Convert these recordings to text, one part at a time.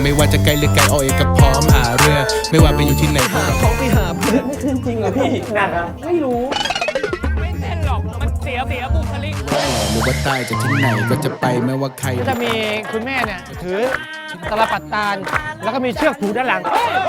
ไม่ว่าจะไกลหรือไกลเอาเองก็พร้อมหาเรื่องไม่ว่าไปอยู่ที่ไหนก็เขาไปหาเพื่อนไม่ขึ้นจริงเหรอพี่นะครับไม่รู้ไม่เต้นหรอก มันเสียบุคลิกหรือว่าใต้จากที่ไหนก็จะไปไม่ว่าใครก็จะมีคุณแม่เนี่ยถือตะลปัดตาลแล้วก็มีเชือกผูกด้านหลัง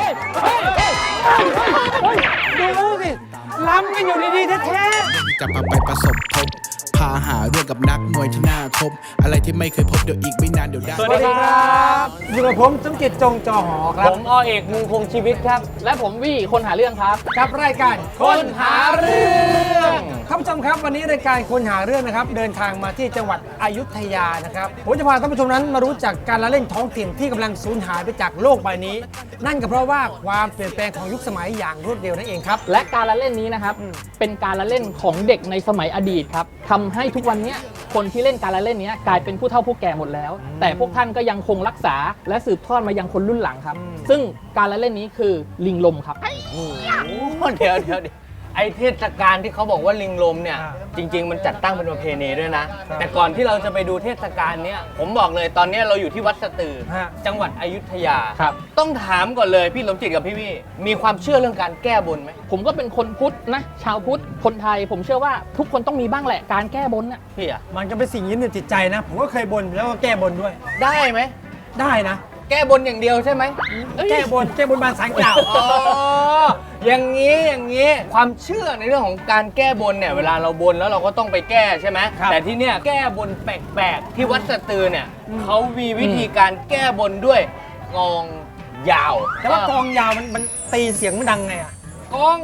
ดูสิล้ำกันอยู่ดีๆแท้จะพาไปประสบพบพาหาเรื่องกับนักมวยที่น่าคบอะไรที่ไม่เคยพบเดี๋ยวอีกไม่นานเดี๋ยวได้ๆสวัสดีครับอยู่กับผมสมจิตจงจอหอครัผบมอเอกมุงคงชีวิตครับ และผมวี่คนหาเรื่องครับกับรายการคนหาเรื่องท่านผู้ชมครับวันนี้รายการคนหาเรื่องนะครับเดินทางมาที่จังหวัดอยุธยานะครับผมจะพาท่านผู้ชมนั้นมารู้จักการละเล่นท้องถิ่นที่กำลังสูญหายไปจากโลกใบนี้ นั่นก็เพราะว่าความเปลี่ยนแปลงของยุคสมัยอย่างรวดเร็วนั่นเองครับและการละเล่นนี้นะครับ เป็นการละเล่นของเด็กในสมัยอดีตครับทำให้ทุกวันเนี้ยคนที่เล่นการละเล่นนี้กลายเป็นผู้เฒ่าผู้แก่หมดแล้ว แต่พวกท่านก็ยังคงรักษาและสืบทอดมายังคนรุ่นหลังครับ ซึ่งการละเล่นนี้คือลิงลมครับเดี๋ยวไอเทศกาลที่เขาบอกว่าลิงลมเนี่ยอ่าจริง ๆ มันจัดตั้งเป็นประเพณีด้วยนะ แต่ก่อนที่เราจะไปดูเทศกาลเนี้ยผมบอกเลยตอนเนี้ยเราอยู่ที่วัดสตือฮะจังหวัดอยุธยาครับต้องถามก่อนเลยพี่สมจิตกับพี่วี่มีความเชื่อเรื่องการแก้บนไหมผมก็เป็นคนพุทธนะ ชาวพุทธคนไทย ผมเชื่อว่าทุกคนต้องมีบ้างแหละการแก้บนน่ะพี่อะมันก็เป็นสิ่งยึดเหนี่ยวจิตใจนะ ผมก็เคยบนแล้วก็แก้บนด้วยได้ไหมได้นะแก้บนอย่างเดียวใช่ไหมแก้บนบานสารกล่าวอ๋ออย่างนี้ความเชื่อในเรื่องของการแก้บนเนี่ยเวลาเราบนแล้วเราก็ต้องไปแก้ใช่ไหมครับแต่ที่เนี่ยแก้บนแปลกๆที่วัดสตือเนี่ยเขามีวิธีการแก้บนด้วยกองยาวแต่ว่ากองยาวมันตีเสียงมันดังไงอ่ะกอง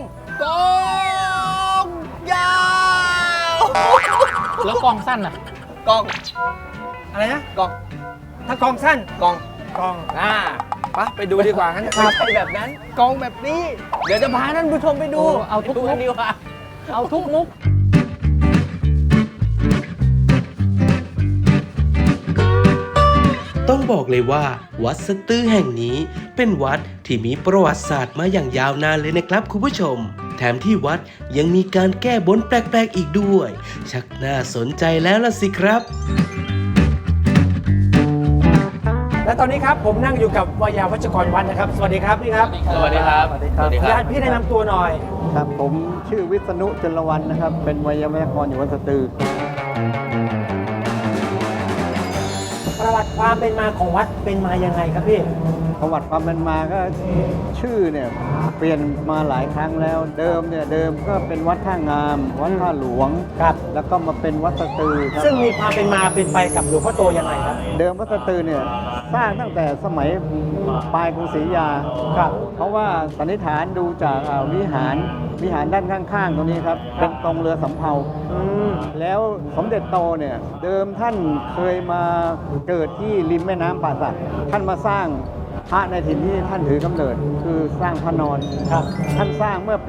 ยาวแล้วกองสั้นน่ะกองอะไรนะกองถ้ากองสั้นกองกองไปดูดีกว่างั้นไม่ใช่แบบนั้นกองแบบนี้ เดี๋ยวจะพาท่านผู้ชมไปดูโอ้เอาทุกไปดูกันดีกว่าเอาทุกมุกต้องบอกเลยว่าวัดสตื้อแห่งนี้เป็นวัดที่มีประวัติศาสตร์มาอย่างยาวนานเลยนะครับคุณผู้ชม แถมที่วัดยังมีการแก้บนแปลกๆอีกด้วย ชักน่าสนใจแล้วล่ะสิครับและตอนนี้ครับผมนั่งอยู่กับวายาวัชกรวัดนะครับ สวัสดีครับพี่ครับสวัสดีครับสวัสดีคญารับติพี่แนะนำตัวหน่อยครับผมชื่อวิษณุจรวรรณนะครับ เป็นไวยากรณ์อยู่วัดสตือประวัติความเป็นมาของวัดเป็นมายังไงครับพี่ประวัติความเป็นมาก็ชื่อเนี่ยเปลี่ยนมาหลายครั้งแล้ว เดิมก็เป็นวัดท่างาม วัดท่าหลวงครับแล้วก็มาเป็นวัดสตือครับซึ่งมีความเป็นมาเป็นไปกับหลวงพ่อโตยังไงครับเดิมวัดสตือเนี่ยสร้างตั้งแต่สมัยปลายกรุงศรีอยุธยาครับเพราะว่าสันนิษฐานดูจากวิหารด้านข้างๆตรงนี้ครับเป็นตรงเรือสำเภา แล้วสมเด็จโตเนี่ยเดิมท่านเคยมาเกิดที่ริมแม่น้ำป่าสักท่านมาสร้างพระในถิ่นที่ท่านถือกำเนิดคือสร้างพระนอนครับท่านสร้างเมื่อปี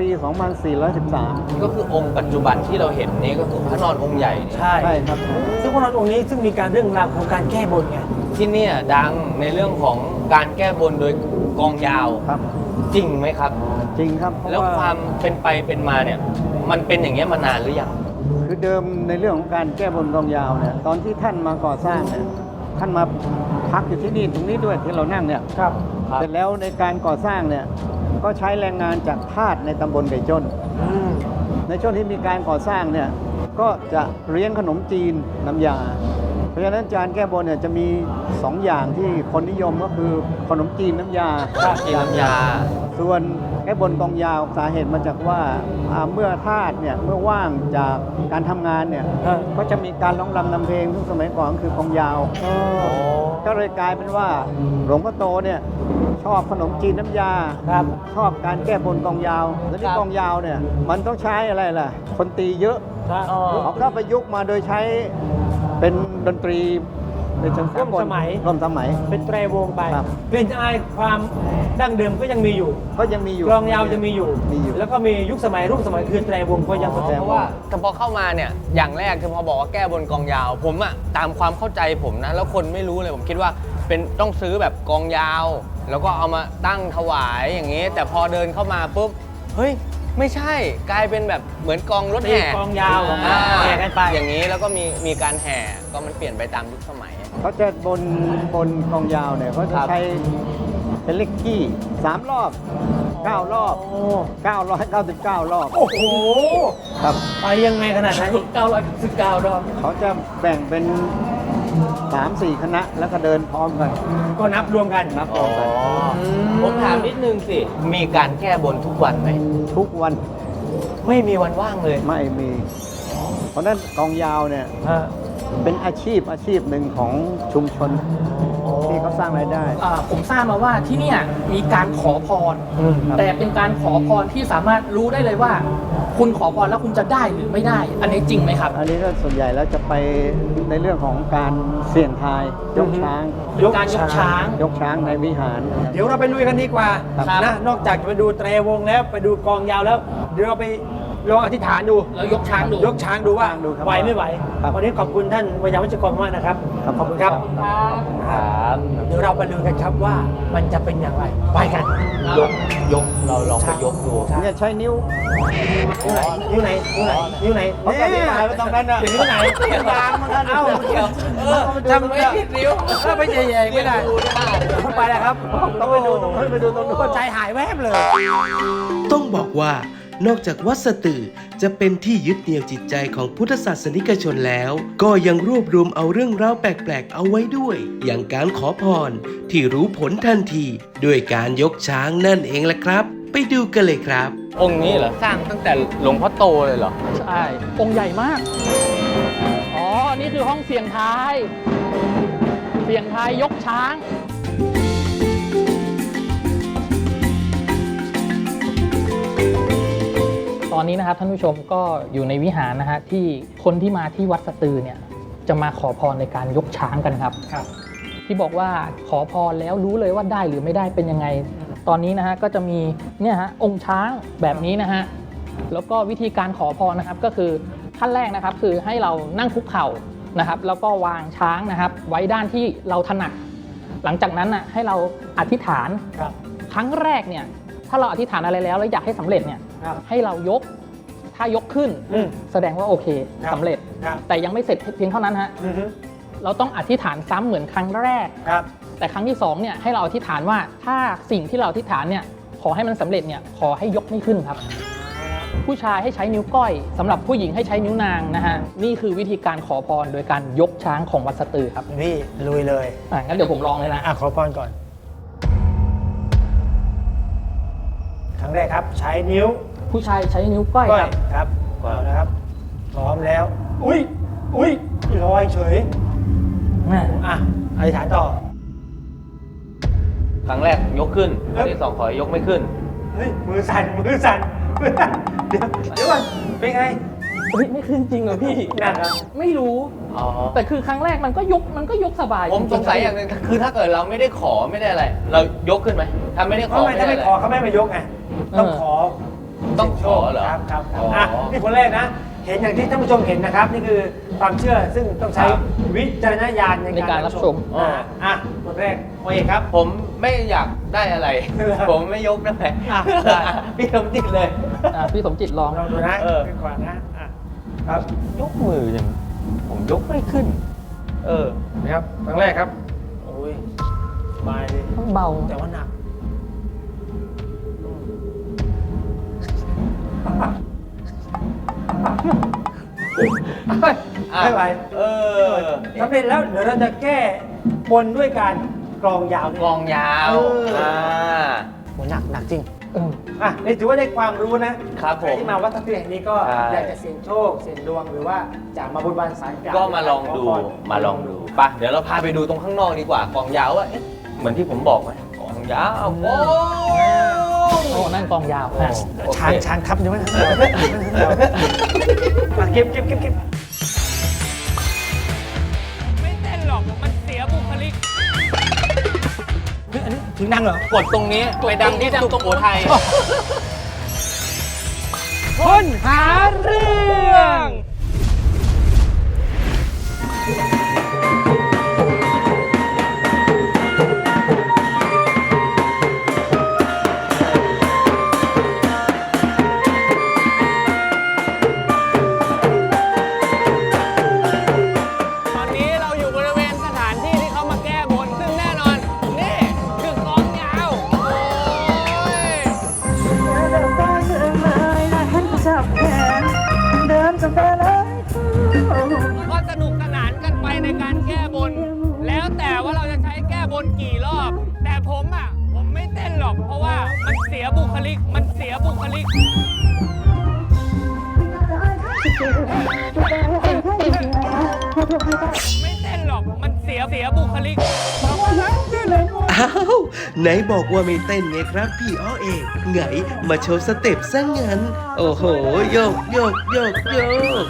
2413 ก็คือองค์ปัจจุบันที่เราเห็นนี้ก็คือพระนอนองค์ใหญ่เนี่ยใช่ใช่ครับซึ่งพระนอนองค์นี้ซึ่งมีการเรื่องราวของการแก้บนไงที่เนี่ยดังในเรื่องของการแก้บนโดยกองยาวครับจริงไหมครับจริงครับเพระแล้วความเป็นไปเป็นมาเนี่ยมันเป็นอย่างเงี้ยมานานหรือยังคือเดิมในเรื่องของการแก้บนกองยาวเนี่ยตอนที่ท่านมาก่อสร้างเนี่ยท่านมาพักอยู่ที่นี่ตรงนี้ด้วยที่เรานั่งเนี่ยครับเสร็จแล้วในการก่อสร้างเนี่ยก็ใช้แรงงานจากทาสในตำบลไก่จ้น ในช่วงที่มีการก่อสร้างเนี่ยก็จะเลี้ยงขนมจีนน้ำยา เพราะฉะนั้นจานแก้บนเนี่ยจะมี 2 อย่างที่คนนิยมก็คือขนมจีนน้ำยาจีนน้ำยาส่วนแก้บนกองยาวสาเหตุมาจากว่าเมื่อทาสเนี่ยเมื่อว่างจากการทำงานเนี่ยก็จะมีการร้องรำนำเพลงซึ่งสมัยก่อนคือกองยาว ก็เลยกลายเป็นว่าหลวงพ่อโตเนี่ยชอบขนมจีนน้ำยาครับชอบการแก้บนกองยาว แล้วนี่กองยาวเนี่ยมันต้องใช้อะไรล่ะ คนตีเยอะ เขาก็ประยุกต์มาโดยใช้เป็นดนตรีในเชิงสากลร่วมสมัยร่วมสมัยเป็นแตรวงไปครับกลิ่นอายความดั้งเดิมก็ยังมีอยู่ก็ยังมีอยู่กลองยาวจะมีอยู่มีอยู่แล้วก็มียุคสมัยรุ่นสมัยคือแตรวงก็ยังแตรวงเพราะว่าแต่พอเข้ามาเนี่ยอย่างแรกคือพอบอกว่าแก้บนกองยาว ผมอะตามความเข้าใจผมนะแล้วคนไม่รู้เลยผมคิดว่าเป็นต้องซื้อแบบกองยาว แล้วก็เอามาตั้งถวายอย่างนี้ แต่พอเดินเข้ามาปุ๊บเฮ้ยไม่ใช่กลายเป็นแบบเหมือนกองรถแห่กองยาวอ่าแห่กันไปอย่างนี้แล้วก็มีการแห่ก็มันเปลี่ยนไปตามยุคสมัยเขาจะบนกองยาวเนี่ยเขาจะใช้เป็นเลขขี้3 รอบ 9 รอบ 999 รอบโอ้โหครับไปยังไงขนาดนั้น 919 รอบเขาจะแบ่งเป็น 3-4 คณะแล้วก็เดินพร้อมกันก็นับรวมกันนับพร้อมกันผมถามนิดนึงสิ มีการแก้บนทุกวันไหมทุกวันไม่มีวันว่างเลยไม่มี เพราะฉะนั้นกองยาวเนี่ยเป็นอาชีพหนึ่งของชุมชนที่เขาสร้างรายได้ผมทราบมาว่าที่เนี่ยมีการขอพร แต่เป็นการขอพรที่สามารถรู้ได้เลยว่า คุณขอพรแล้วคุณจะได้หรือไม่ได้ อันนี้จริงไหมครับอันนี้ก็ส่วนใหญ่แล้วจะไปในเรื่องของการเสี่ยงทายยกช้างการยกช้างยกช้างในวิหารเดี๋ยวเราไปลุยกันดีกว่าครับนะนอกจากจะไปดูเตรวงแล้วไปดูกองยาวแล้ว เดี๋ยวเราไปลองอธิษฐานดูแล้วยกช้างดูยกช้างดูว่าดูครับไหวไม่ไหวครับวันนี้ขอบคุณท่านวิญญาณวัชกรมากนะครับครับขอบคุณครับครับเดี๋ยวเราไปดูกันครับว่ามันจะเป็นอย่างไรไปกันยกเราลองไปยกดูเนี่ยใช้นิ้วนิ้วไหนนิ้วไหนเขาจะอธิษฐานไว้ตรงนั้นน่ะนิ้วไหนยางมันกันเอ้าทำไม่ผิดนิ้วถ้าไปแย่ๆไม่ได้ไปแล้วครับต้องไปดูตรงนู้นไปดูตรงนู้นใจหายแวบเลยต้องบอกว่านอกจากวัดสตือจะเป็นที่ยึดเหนี่ยวจิตใจของพุทธศาสนิกชนแล้ว ก็ยังรวบรวมเอาเรื่องราวแปลกๆเอาไว้ด้วย อย่างการขอพรที่รู้ผลทันทีด้วยการยกช้างนั่นเองแหละครับ ไปดูกันเลยครับองค์นี้เหรอ สร้างตั้งแต่หลวงพ่อโตเลยเหรอใช่ องค์ใหญ่มาก อ๋อ นี่คือห้องเสียงทาย เสียงทายยกช้าง ตอนนี้นะครับท่านผู้ชมก็อยู่ในวิหารนะฮะที่คนที่มาที่วัดสตือเนี่ยจะมาขอพรในการยกช้างกันครับ ที่บอกว่าขอพรแล้วรู้เลยว่าได้หรือไม่ได้เป็นยังไง ตอนนี้นะฮะก็จะมีเนี่ยฮะองค์ช้างแบบนี้นะฮะแล้วก็วิธีการขอพรนะครับก็คือขั้นแรกนะครับคือให้เรานั่งคุกเข่านะครับแล้วก็วางช้างนะครับไว้ด้านที่เราถนัดหลังจากนั้นน่ะให้เราอธิษฐานครั้งแรกเนี่ยถ้าเราอธิษฐานอะไรแล้วอยากให้สำเร็จเนี่ยให้เรายกถ้ายกขึ้นแสดงว่าโอเคสำเร็จ แต่ยังไม่เสร็จเพียงเท่านั้นฮะเราต้องอธิษฐานซ้ำเหมือนครั้งแรกแต่ครั้งที่2เนี่ยให้เราอธิษฐานว่าถ้าสิ่งที่เราอธิษฐานเนี่ยขอให้มันสำเร็จเนี่ยขอให้ยกไม่ขึ้นครับ ผู้ชายให้ใช้นิ้วก้อยสำหรับผู้หญิงให้ใช้นิ้วนางนะฮะนี่คือวิธีการขอพรโดยการยกช้างของวัดสตือครับนี่ลุยเลยงั้นเดี๋ยวผมลองเลยนะขอพรก่อนครั้งแรกครับใช้นิ้วผู้ชายใช้นิ้วก้อยครับครับเอานะครับพร้อมแล้ว อุ้ยลอยเฉยอธิษฐานต่อครั้งแรกยกขึ้นครั้งที่2ขอยกไม่ขึ้นเฮ้ยมือสั่นเดี๋ยวก่อนเป็นไงไม่ขึ้นจริงเหรอพี่นะครับไม่รู้อ๋อแต่คือครั้งแรกมันก็ยกสบายผมสงสัยอย่างหนึงคือถ้าเกิดเราไม่ได้ขอไม่ได้อะไร เรายกขึ้นไหมถ้าไม่ได้ขเพราะอทำไมถ้าไม่ไม่ได้ขอเขาไม่มายกไงต้องขอต้องขอเหรอครับอ๋อนี่คนแรกนะ เห็นอย่างที่ท่านผู้ชมเห็นนะครับ นี่คือความเชื่อซึ่งต้องใช้วิจารณญาณในการรับชมคนแรกโอเคครับผมไม่อยากได้อะไร ผมไม่ยกได้ไหมได้พี่สมจิตเลยพี่สมจิตลองลองดูนะ ขึ้นก่อนนะครับยกมือยังผมยกไม่ขึ้นนะครับครั้งแรกครับโอ้ยสบายเลยต้องเบาแต่ว่าหนักไม่ไหวสำเร็จแล้วเดี๋ยวเราจะแก้บนด้วยการกลองยาวกลองยาวโหหนักจริงนี่ถือว่าได้ความรู้นะครับใครที่มาวัดสตือแห่งนี้ก็ใช่อยากจะเสี่ยงโชคเสี่ยงดวงหรือว่าจะมาบนบานสารกล่าวก็มาลองดูขพรมาลองดูไปเดี๋ยวเราพาไปดูตรงข้างนอกดีกว่ากลองยาวว่าเอ๊ะเหมือนที่ผมบอกไหมกลองยาวโอ้โอ้นั่นกองยาวโอเคช้างทับอยู่ไหมเก็บไม่เต้นหรอกมันเสียบุคลิกอันนี้ถึงดังเหรอกดตรงนี้ไปดังที่สุโขทัยคนหาเรื่องตอนนี้เราอยู่บริเวณสถานที่บนกี่รอบ แต่ผมไม่เต้นหรอกเพราะว่ามันเสียบุคลิกไม่เต้นหรอกมันเสียบุคลิกอ้าว ไหนบอกว่าไม่เต้นไงครับพี่อ้อเอกไงมาโชว์สเต็ปซะงั้น โอ้โห โยกโยกโยกโยก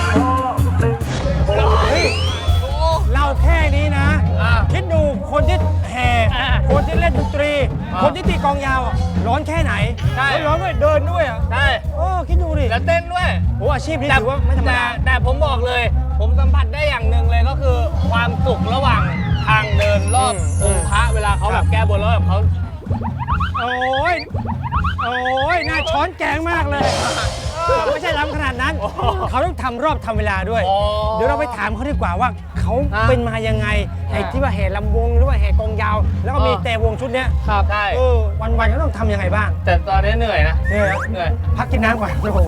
เราแค่นี้นะ คิดดูคนที่แห่คนที่เล่นดนตรี คนที่ตีกลองยาวร้อนแค่ไหนใช่แล้วร้อนด้วยเดินด้วยอ่ะใช่คิดดูดิแล้วเต้นด้วยโอ้อาชีพนี้ถือว่าไม่ธรรมดาแต่ผมบอกเลย ผมสัมผัสได้อย่างหนึ่งเลยก็คือ ความสุขระหว่างทางเดินรอบองค์พระเวลาเขาแบบแก้บนแล้วแบบเขาโอ้ยน่าช้อนแกงมากเลยไม่ใช่ล้ำขนาดนั้น เขาต้องทำรอบทำเวลาด้วย เดี๋ยวเราไปถามเขาดีกว่าว่าเขาเป็นมายังไงไอ้ที่ว่าแห่ลำวงหรือว่าแห่กองยาว แล้วก็มีแต่วงชุดเนี้ยครับใช่วันๆเขาต้องทำยังไงบ้างแต่ตอนนี้เหนื่อยนะเหนื่อยพักกินน้ำก่อนโอ้โห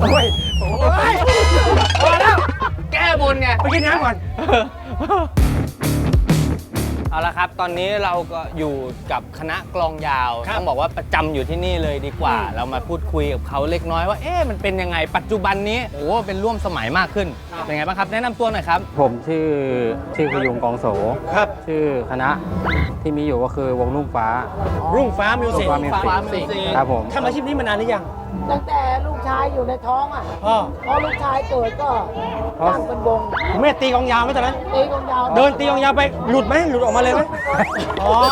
พอแล้วแก้บนไงไปกินน้ำก่อนเอาละครับ ตอนนี้เราก็อยู่กับคณะกลองยาวครับต้องบอกว่าประจำอยู่ที่นี่เลยดีกว่า เรามาพูดคุยกับเขาเล็กน้อยว่า มันเป็นยังไง ปัจจุบันนี้ โอ้เป็นร่วมสมัยมากขึ้น เป็นไงบ้างครับ แนะนำตัวหน่อยครับผมชื่อพยุงกองโสครับชื่อคณะที่มีอยู่ก็คือวงลุ่งฟ้ารุ่งฟ้ามิวสิกรุ่งฟ้ามิวสิก Music ครับผมทำอาชีพนี้มานานหรือยังตั้งแต่ลูกชายอยู่ในท้องพอลูกชายเกิดก็ตั้งเป็นวงแม่ตีกลองยาวไหมตอนนั้นตีกลองยาวเดินตีกลองยาวไปหลุดไหมหลุดออกมาเลยไหมอ๋อ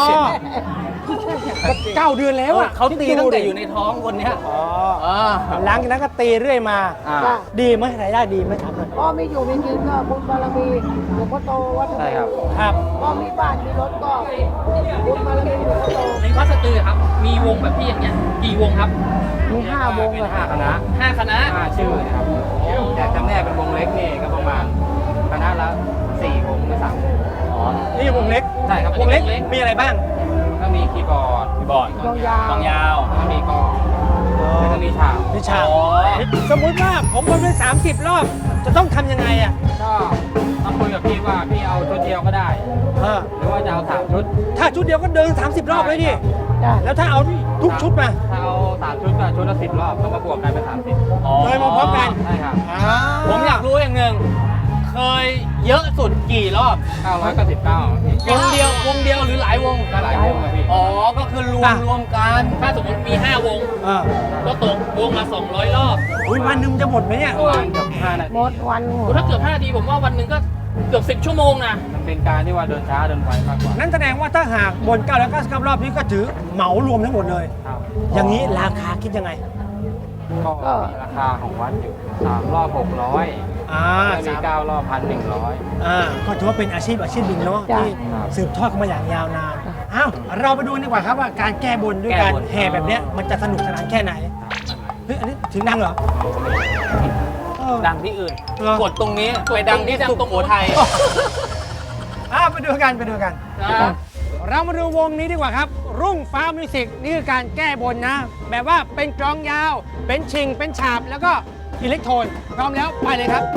9 เดือนแล้วอ่ะเขาตีตั้งแต่อยู่ในท้องคนเนี้ยหลังจากนั้นก็ตีเรื่อยมาจ้ะดีไหมรายได้ดีไหมครับพ่อมีอยู่มีกินก็บุญบารมีหลวงพ่อโตวัดใช่ครับครับพ่อมีบ้านมีรถก็บุญบารมีหลวงพ่อโตในวัดสตือครับ มีวงแบบพี่อย่างเงี้ยกี่วงครับมี5 วงเลย 5 คณะ 5 คณะ 5 ชื่อนะครับแต่จำแนกเป็นวงเล็กนี่ก็ประมาณคณะละ 4 วงหรือ 3 วงนี่วงเล็กใช่ครับวงเล็กวงเล็กมีอะไรบ้างก็มีคีย์บอร์ดกลองยาวกลองยาวแล้วก็มีกลองแล้วก็มีฉาบนิชาสมมุติว่าผมวนไป30 รอบ จะต้องทำยังไงอ่ะก็ต้องคุยกับพี่ว่าพี่เอาชุดเดียวก็ได้ หรือว่าจะเอา3 ชุดถ้าชุดเดียวก็เดิน 30 รอบเลยดิจ้ะแล้วถ้าเอาทุกชุดมาถ้าเอา3 ชุดก็ชุดละ 10 รอบก็มาบวกกันเป็น 30 เลยมาพร้อมกันใช่ครับผมอยากรู้อย่างหนึ่งเคยเยอะสุดกี่รอบ 999 วงเดียวหรือหลายวงก็หลายวงอะพี่ก็คือรวมกันถ้าสมมติมี 5 วง ก็ตกวงละ200 รอบอุ้ยวันหนึงจะหมดไหมเนี่ยประมาณเกือบ5 นาทีหมดวันหมดถ้าเกือบ5 นาทีผมว่าวันหนึ่งก็เกือบ 10 ชั่วโมงนะมันเป็นการที่ว่าเดินช้าเดินไวมากกว่านั่นแสดงว่าถ้าหากบน999 รอบนี้ก็ถือเหมารวมทั้งหมดเลยครับอย่างนี้ราคาคิดยังไงก็มีราคาของวัดอยู่3 รอบ 600 แล้วมี9 รอบ 1,100 ก็ถือว่าเป็นอาชีพหนึ่งเนาะจ้ะที่สืบทอดกันมาอย่างยาวนานอ้าวเราไปดูดีกว่าครับว่าการแก้บนด้วยการแห่แบบเนี้ยมันจะสนุกสนานแค่ไหนเฮ้ยอันนี้ถึงดังเหรอเออดังที่อื่นเหรอกดตรงนี้ไปดังที่สุโขทัยไปดูกันเรามาดูวงนี้ดีกว่าครับ รุ่งฟ้ามิวสิกนี่คือการแก้บนนะ แบบว่าเป็นกลองยาว เป็นชิง เป็นฉาบ แล้วก็อิเล็กโทรนพร้อมแล้วไปเลยครับ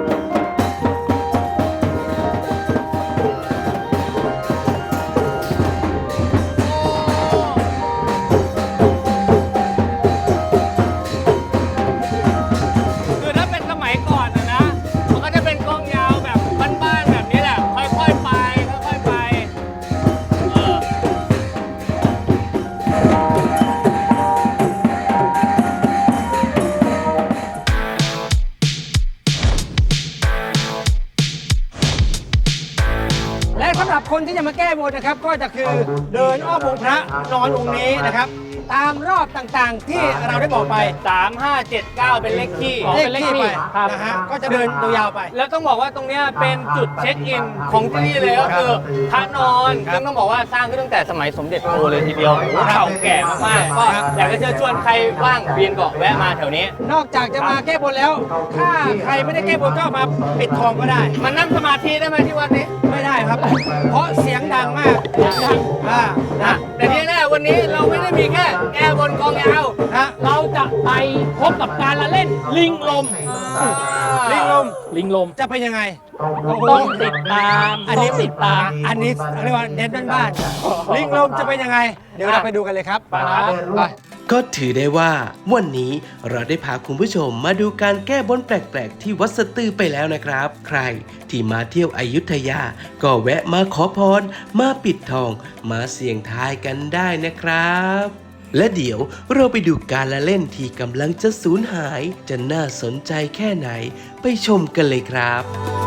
คือถ้าเป็นสมัยก่อนนะ มันก็จะเป็นกลองยาวแบบบ้านๆแบบนี้แหละ ค่อยๆไปค่อยๆไปเออและสำหรับคนที่จะมาแก้บนนะครับ ก็จะคือเดินอ้อมองค์พระนอนองค์นี้นะครับ ตามรอบต่างๆที่เราได้บอกไป 3579 เป็นเลขที่เลขที่ไปนะฮะก็จะเดินยาวๆไปแล้วต้องบอกว่าตรงเนี้ยเป็นจุดเช็คอินของที่นี่เลยก็คือพระนอนซึ่งต้องบอกว่าสร้างขึ้นตั้งแต่สมัยสมเด็จโตเลยทีเดียวเก่าแก่มากๆก็อยากจะเชิญชวนใครว่างเวียนเกาะแวะมาแถวนี้นอกจากจะมาแก้บนแล้ว ถ้าใครไม่ได้แก้บนก็มาปิดทองก็ได้มันนั่งสมาธิได้ไหมที่วัดนี้ไม่ได้ครับ เพราะเสียงดังมากนะแต่ที่แน่วันนี้เราไม่ได้มีแค่แก้บนกองยาวฮะเราจะไปพบกับการละเล่นลิงลมลิงลมลิงลมจะเป็นยังไงต้องติดตามอันนี้ต้องติดตามอันนี้เรียกว่าเน้นบ้านๆลิงลมจะเป็นยังไง เดี๋ยวเราไปดูกันเลยครับไปก็ถือได้ว่าวันนี้เราได้พาคุณผู้ชมมาดูการแก้บนแปลกๆที่วัดสะตือไปแล้วนะครับ ใครที่มาเที่ยวอยุธยาก็แวะมาขอพรมาปิดทองมาเสี่ยงทายกันได้นะครับ และเดี๋ยวเราไปดูการละเล่นที่กำลังจะสูญหายจะน่าสนใจแค่ไหนไปชมกันเลยครับ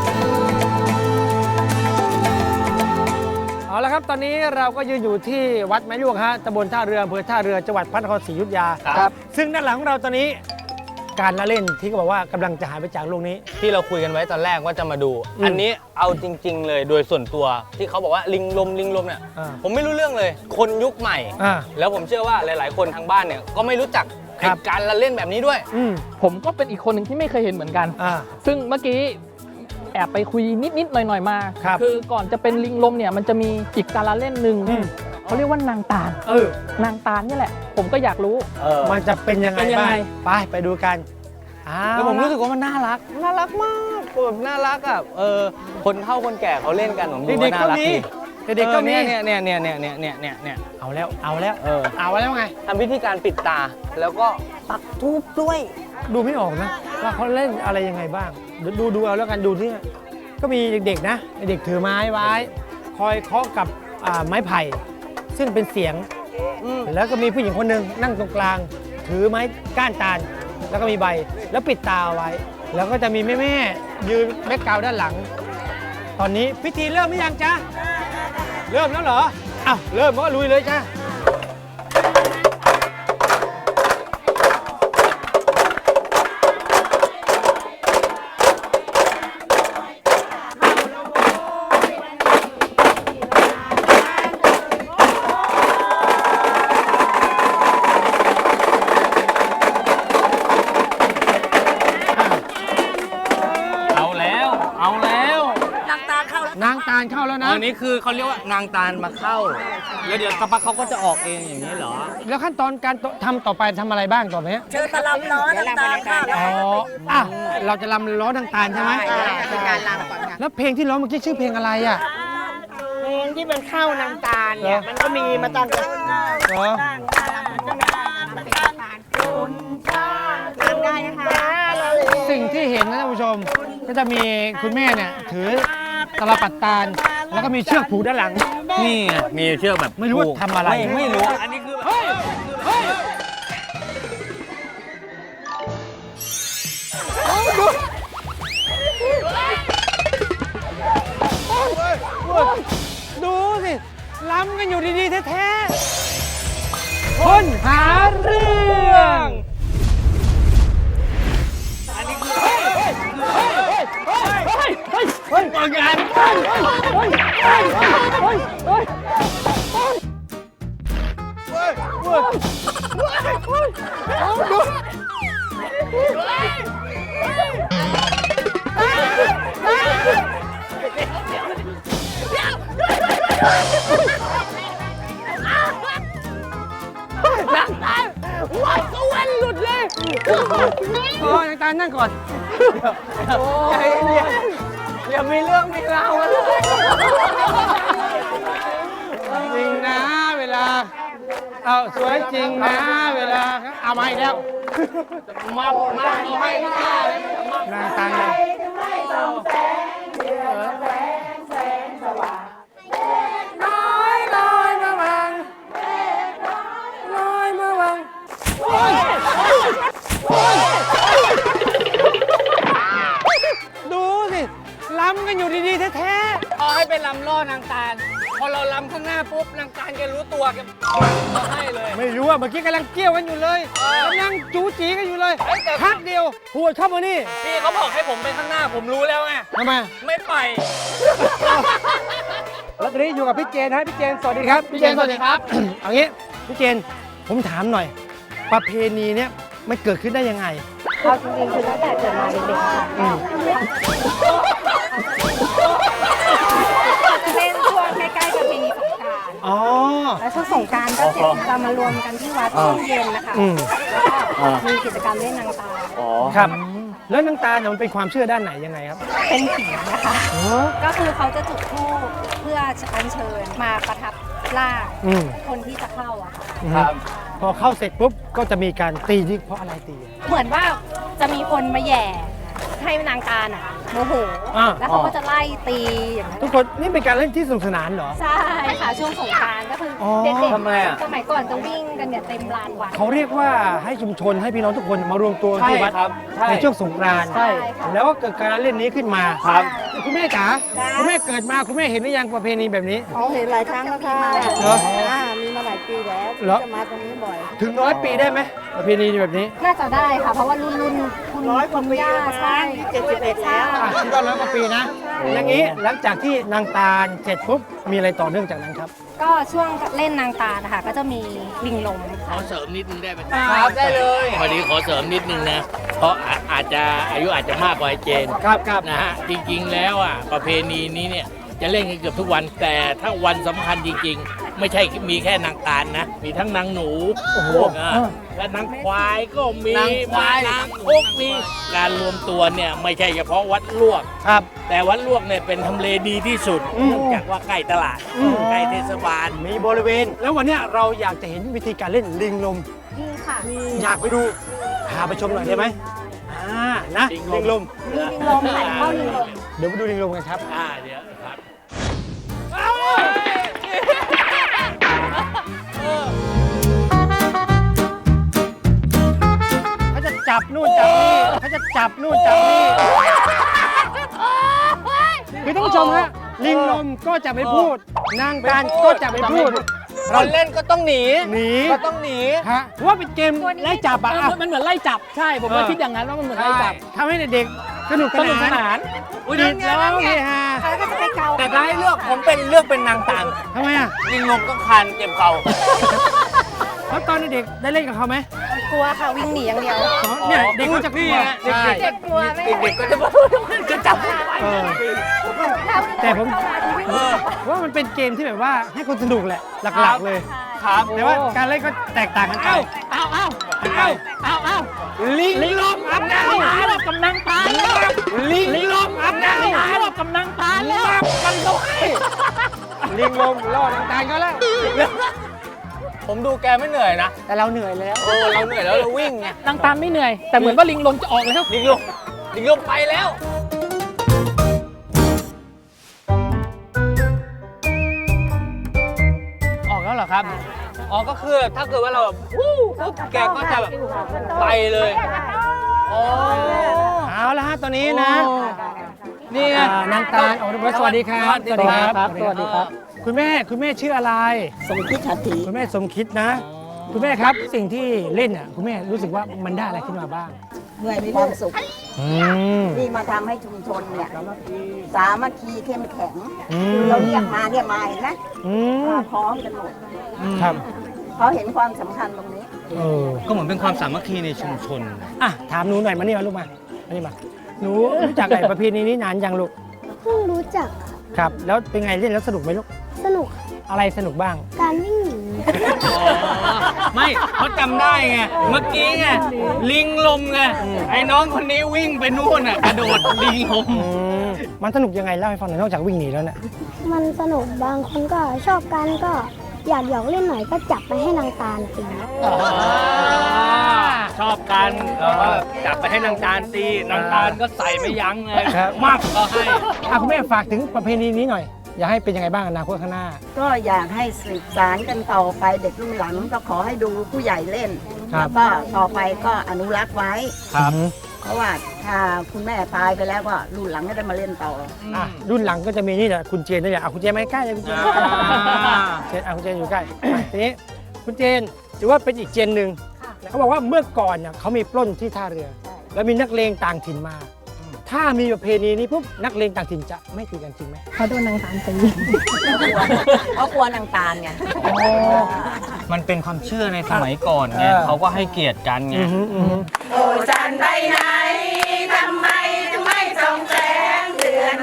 เอาละครับตอนนี้เราก็ยืนอยู่ที่วัดไม้ลวกฮะตำบลท่าเรืออำเภอท่าเรือจังหวัดพระนครศรีอยุธยาครับซึ่งด้านหลังของเราตอนนี้การละเล่นที่เขาบอกว่ากำลังจะหายไปจากโลกนี้ที่เราคุยกันไว้ตอนแรกว่าจะมาดู อันนี้เอาจริง ๆ เลยโดยส่วนตัวที่เขาบอกว่าลิงลมเนี่ยอ่าผมไม่รู้เรื่องเลย คนยุคใหม่อ่าแล้วผมเชื่อว่าหลาย ๆ คนทางบ้านเนี่ยก็ไม่รู้จักครับการละเล่นแบบนี้ด้วยอืมผมก็เป็นอีกคนหนึ่งที่ไม่เคยเห็นเหมือนกันอ่าซึ่งเมื่อกี้แอบไปคุยนิดๆหน่อยๆมาครับอก่อนจะเป็นลิงลมเนี่ยมันจะมีอีกการละเล่นหนึ่งอืมเขาเรียกว่านางตาล นางตาลนี่แหละ ผมก็อยากรู้มันจะเป็นยังไงเป็นยังบ้าไงงไปดูกันอ้าวแล้วผมรู้สึกว่ามันน่ารักมากแบบน่ารักอ่ะคนเฒ่าคนแก่เขาเล่นกันผมดูเด็กว่าๆน่าก็รักมีดีเด็กๆก็มีเนี่ยเอาแล้วเอาแล้วไงทำวิธีการปิดตาแล้วก็ปักทูบด้วยดูไม่ออกนะว่าเขาเล่นอะไรยังไงบ้างเดี๋ยวดูเอาแล้วกันดูที่ก็มีเด็กๆนะเด็กถือไม้ไว้คอยเคาะกับไม้ไผ่ซึ่งเป็นเสียงแล้วก็มีผู้หญิงคนหนึ่งนั่งตรงกลางถือไม้ก้านตาลแล้วก็มีใบแล้วปิดตาไว้ แล้วก็จะมีแม่ๆยืนแบ็คกราวด์ด้านหลัง ตอนนี้พิธีเริ่มหรือยังจ๊ะเริ่มแล้วเหรออ้าวเริ่มก็ลุยเลยจ้ะเอาแล้วนางตาเข้าแล้วนางตาลเข้าแล้วนะอันนี้คือเขาเรียกว่านางตาลมาเข้า แล้วเดี๋ยวสักพักเขาก็จะออกเองอย่างนี้เหรอแล้วขั้นตอนการทำต่อไปทำอะไรบ้างต่อไปเนี้ยเจอตะลำล้อนางตาลเข้าแล้วอ๋ออ่ะเราจะรำล้อนางตาลใช่ไหมเป็นการลำก่อนค่ะแล้วเพลงที่ร้องเมื่อกี้ชื่อเพลงอะไรอ่ะเพลงที่มันเข้านางตาลเนี่ยมันก็มีมาตั้งแต่เหรอตามได้นะคะสิ่งที่เห็นนะท่านผู้ชม ก็จะมีคุณแม่เนี่ยถือตะลปัดตาล แล้วก็มีเชือกผูกด้านหลังนี่ไงมีเชือกแบบไม่รู้ว่าทำอะไรไม่รู้ อันนี้คือดูสิล้ำกันอยู่ดีๆแท้ๆคนหาเรื่อง โอ้ยนางตาลนั่งก่อนอย่ามีเรื่องมีราวกันเลยจริงนะเวลา เอาสวยจริงนะเวลา เอามาอีกแล้วมาเอาให้ก็ได้นางตาลนะดูสิล้ำกันอยู่ดีๆแท้ๆเอาให้ไปลำล่อนางตาล พอเราลำข้างหน้าปุ๊บนางตาลแกรู้ตัวแกมาให้เลยไม่รู้อ่ะเมื่อกี้กำลังเกี่ยวกันอยู่เลยกำลังจู๋จีกันอยู่เลยพักเดียวหัวดเข้ามานี่พี่เขาบอกให้ผมไปข้างหน้าผมรู้แล้วไงทำไมไม่ไปแล้วตอนนี้อยู่กับพี่เจนนะพี่เจนสวัสดีครับพี่เจนสวัสดีครับเอางี้พี่เจนผมถามหน่อย ประเพณีเนี้ยมันเกิดขึ้นได้ยังไงเอาจริงๆคือตั้งแต่เกิดมาเด็กๆค่ะเป็นช่วงใกล้ๆประเพณีสงกรานต์อ๋อแล้วช่วงสงกรานต์ก็จะมารวมกันที่วัดช่วงเย็นนะคะ แล้วก็มีกิจกรรมเล่นนางตาครับแล้วนางตาเนี่ยมันเป็นความเชื่อด้านไหนยังไงครับเป็นผีนะคะ ก็คือเขาจะจุดธูปเพื่ออัญเชิญมาประทับร่างคนที่จะเข้าอะค่ะครับพอเข้าเสร็จปุ๊บก็จะมีการตีนี่เพราะอะไรตีเหมือนว่าจะมีคนมาแหย่ให้นางตาน่ะโมโห แล้วเขาก็จะไล่ตีอย่างนั้นทุกคนนี่เป็นการเล่นที่สนุกสนานเหรอใช่ค่ะช่วงสงกรานต์ก็คือออเด็กทำไมอะๆสมัยก่อนจะวิ่งกันเนี่ยเต็มลานวัดเขาเรียกว่าให้ชุมชนให้พี่น้องทุกคนมารวมตัวที่วัดครับใช่ในช่วงสงกรานต์ใช่ค่ะแล้วก็เกิดการเล่นนี้ขึ้นมาครับคุณแม่จ๋าคุณแม่เกิดมาคุณแม่เห็นหรือยังประเพณีแบบนี้เขาเห็นหลายครั้งแล้วค่ะเหรอมีมาหลายปีแล้วเหรอจะมาตรงนี้บ่อยถึง100 ปีได้ไหมประเพณีแบบนี้น่าจะได้ค่ะ เพราะว่ารุ่นคุณร้อยกว่าปีย่าแล้วใช่ 71แล้วคิดว่า100 กว่าปีนะ อย่างนี้หลังจากที่นางตาลเสร็จปุ๊บมีอะไรต่อเนื่องจากนั้นครับก็ช่วงเล่นนางตานะคะก็จะมีลิงลมขอเสริมนิดนึงได้ไหมครับได้เลยพอดีขอเสริมนิดนึงนะ เพราะอาจจะอายุอาจจะมากกว่าไอ้เจนครับนะฮะ จริงๆแล้วอ่ะประเพณีนี้เนี่ยจะเล่นกันเกือบทุกวัน แต่ถ้าวันสำคัญจริงๆ ไม่ใช่มีแค่นางตาลนะ มีทั้งนางหนูโอ้โหและนางควายก็มีนางควายนางคกมีการรวมตัวเนี่ยไม่ใช่เฉพาะวัดลวกครับแต่วัดลวกเนี่ยเป็นทำเลดีที่สุดเนื่องจากว่าใกล้ตลาดใกล้เทศบาลมีบริเวณ แล้ววันเนี้ยเราอยากจะเห็นวิธีการเล่นลิงลมนี่ค่ะอยากไปดูพาไปชมหน่อยได้ไหมนะลิลิงงลลมมมีลิงลมหันเข้าลิงลมเดี๋ยวไปดูลิงลมกันครับเดี๋ยวครับเขาจะจับนู่นจับนี่เขาจะจับนู่นจับนี่คือท่านผู้ชมฮะลิงลมก็จะไม่พูด นางตาลก็จะไม่พูดคนเล่นก็ต้องหนีหนีก็ต้องหนีฮะเพราะว่าเป็นเกมไล่จับอะมันเหมือนไล่จับ ใช่ ผมก็คิดอย่างนั้นว่ามันเหมือนไล่จับทำให้เด็กๆสนุกสนุกสนานดีดร้องเฮฮาแล้วก็จะไปเกาแต่ถ้าให้เลือกผมเป็นเลือกเป็นนางตาลทำไมอ่ะลิงลมต้องคานเจ็บเข่าแล้วตอนเด็กๆได้เล่นกับเขาไหมกลัวค่ะวิ่งหนีอย่างเดียวเนี่ยเด็กก็จะกลัวใช่เด็กกลัวไม่เด็กๆก็จะจับเออแต่ผมว่ามันเป็นเกมที่แบบว่าให้คนสนุกแหละหลักๆเลยครับแต่ว่าการเล่นก็แตกต่างกันไปลิงลมอับน้ำหารอบกำนังตาแล้วลิงลมอับน้ำหารอบกำนังตาแล้วกันด้วยลิงลมล่อนางตาลก็แล้วผมดูแกไม่เหนื่อยนะแต่เราเหนื่อยแล้วเราเหนื่อยแล้วเราวิ่งไงนางตาลไม่เหนื่อย แต่เหมือนว่าลิงลมจะออกแล้วลิงลมไปแล้วออกแล้วเหรอครับอ๋อ ก็คือถ้าเกิดว่าเราแบบวู้ปุ๊บแกก็จะแบบไปเลยอ๋อเอาละฮะตอนนี้นะนี่ไงนางตาลโอ้สวัสดีครับสวัสดีครับ สวัสดีครับคุณแม่ชื่ออะไรสมคิดหัตถีคุณแม่สมคิดนะ คุณแม่ครับสิ่งที่เล่นอ่ะคุณแม่รู้สึกว่ามันได้อะไรขึ้นมาบ้างเหนื่อยมีความสุขมที่มาทำให้ชุมชนเนี่ยสามัคคีเข้มแข็งอืมเราเรียกมาเห็นไหมอืมมาพร้อมกันหมดครับเขาเห็นความสำคัญตรงนี้เออก็เหมือนเป็นความสามัคคีในชุมชนอ่ะถามหนูหน่อยมานี่มาลูกมานี่มาหนูรู้จักไอ้ประเพณีนี้นานยังลูกเพิ่งรู้จักครับ แล้วเป็นไงเล่นแล้วสนุกไหมลูกสนุกอะไรสนุกบ้างการวิ่งหนีไม่เขาจำได้ไง เมื่อกี้ไง ลิงลมไง ไอ้น้องคนนี้วิ่งไปนู่นอ่ะ กระโดดลิงลมมันสนุกยังไงเล่าให้ฟังหน่อยนอกจากวิ่งหนีแล้วเนี่ยมันสนุกบางคนก็ชอบกันก็อยากหยอกเล่นหน่อยก็จับไปให้นางตาลตีชอบกันเราก็จับไปให้นางตาลตีนางตาลก็ใส่ไม่ยั้งเลยครับมากก็ให้คุณแม่ฝากถึงประเพณีนี้หน่อย อยากให้เป็นยังไงบ้างอนาคตข้างหน้าก็อยากให้สืบสารกันต่อไปเด็กรุ่นหลังก็ขอให้ดูผู้ใหญ่เล่นครับแล้วก็ต่อไปก็อนุรักษ์ไว้ครับเพราะว่าถ้าคุณแม่ตายไปแล้วก็รุ่นหลังก็ได้มาเล่นต่ออ่ะรุ่นหลังก็จะมีนี่แหละคุณเจนนี่แหละเอาคุณเจนมาใกล้เลยคุณเจนเจนคุณเจนอยู่ใกล้อ่ะทีนี้คุณเจนถือว่าเป็นอีกเจนหนึ่งเขาบอกว่าเมื่อก่อนเนี่ยเขามีปล้นที่ท่าเรือ แล้วมีนักเลงต่างถิ่นมา ถ้ามีประเพณีนี้ปุ๊บนักเลงต่างถิ่นจะไม่ตีกันจริงไหมเขาโดนนางตาลตีเขากลัวนางตาลไงมันเป็นความเชื่อในสมัยก่อนไง เขาก็ให้เกียรติกันไงเอา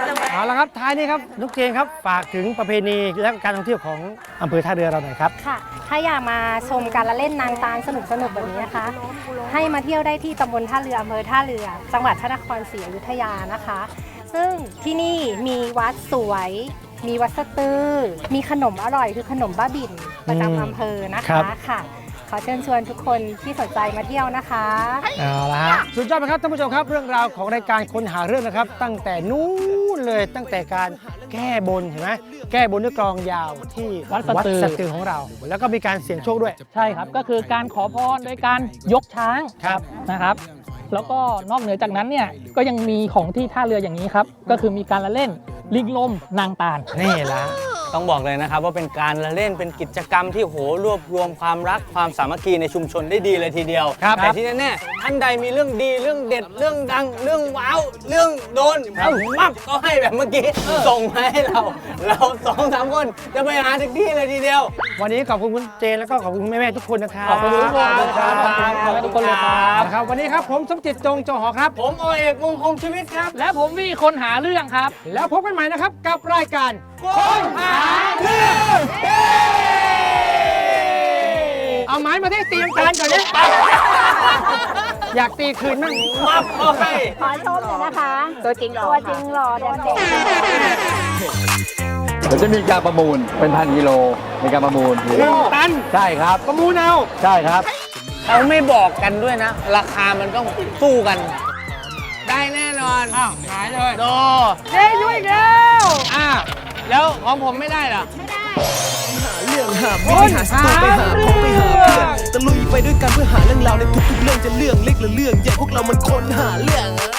ละครับท้ายนี้ครับนุกเจนครับฝากถึงประเพณีและการท่องเที่ยวของอำเภอท่าเรือเราหน่อยครับค่ะ ถ้าอยากมาชมการละเล่นนางตาลสนุกแบบนี้นะคะ ให้มาเที่ยวได้ที่ตำบลท่าเรืออำเภอท่าเรือ จังหวัดพระนครศรีอยุธยานะคะ ซึ่งที่นี่มีวัดสวย มีวัดสะตือ มีขนมอร่อยคือขนมบ้าบิ่นประจำอำเภอนะคะค่ะ ขอเชิญชวนทุกคนที่สนใจมาเที่ยวนะคะเอาละฮะสุดยอดไหมครับท่านผู้ชมครับเรื่องราวของรายการค้นหาเรื่องนะครับ ตั้งแต่นู้นเลยตั้งแต่การแก้บนเห็นไหมแก้บนด้วยกลองยาวที่วัดสะตือสะตือของเรา แล้วก็มีการเสี่ยงโชคด้วยใช่ครับก็คือการขอพรโดยการยกช้างครับนะครับ แล้วก็นอกเหนือจากนั้นเนี่ยก็ยังมีของที่ท่าเรืออย่างนี้ครับก็คือมีการละเล่นลิงลมนางตาลนี่ละต้องบอกเลยนะครับว่าเป็นการละเล่นเป็นกิจกรรมที่โหรวบรวมความรักความสามัคคีในชุมชนได้ดีเลยทีเดียว แต่ที่แน่ๆท่านใดมีเรื่องดีเรื่องเด็ดเรื่องดังเรื่องว้าวเรื่องโดนมับก็ให้แบบเมื่อกี้ส่งมาให้เรา2-3 คนจะไปหาถึงที่เลยทีเดียววันนี้ขอบคุณคุณเจนแล้วก็ขอบคุณแม่ๆทุกคนนะครับขอบคุณทุกคนครับขอบคุณทุกคนเลยครับนะครับวันนี้ครับผมสมจิตจงจอหอครับผมโอเอกมงคลชีวิตครับและผมวี่คนหาเรื่องครับแล้วพบกันใหม่นะครับกับรายการค้นหาเรื่องเอาไม้มาที่เตรียมการก่อนเนี่ยอยากตีคืนมั่งมับก็ให้ขอชมหน่อยนะคะ ตัวจริงหล่อเด่นเดี๋ยวจะมีการประมูลเป็นพันกิโลในการประมูล 1 ตันใช่ครับประมูลเอาใช่ครับเขาไม่บอกกันด้วยนะ ราคามันต้องสู้กัน ได้แน่นอนอ้าวหายเลยโดเจ๊ช่วยอีกแล้วแล้วของผมไม่ได้เหรอเรื่องหาวิธีหาสตูไปหาของไปหาเพื่อนตะลุยไปด้วยกันเพื่อหาเรื่องราวในทุกๆเรื่องจะเรื่องเล็กหรือเรื่องใหญ่พวกเรามันคนหาเรื่อง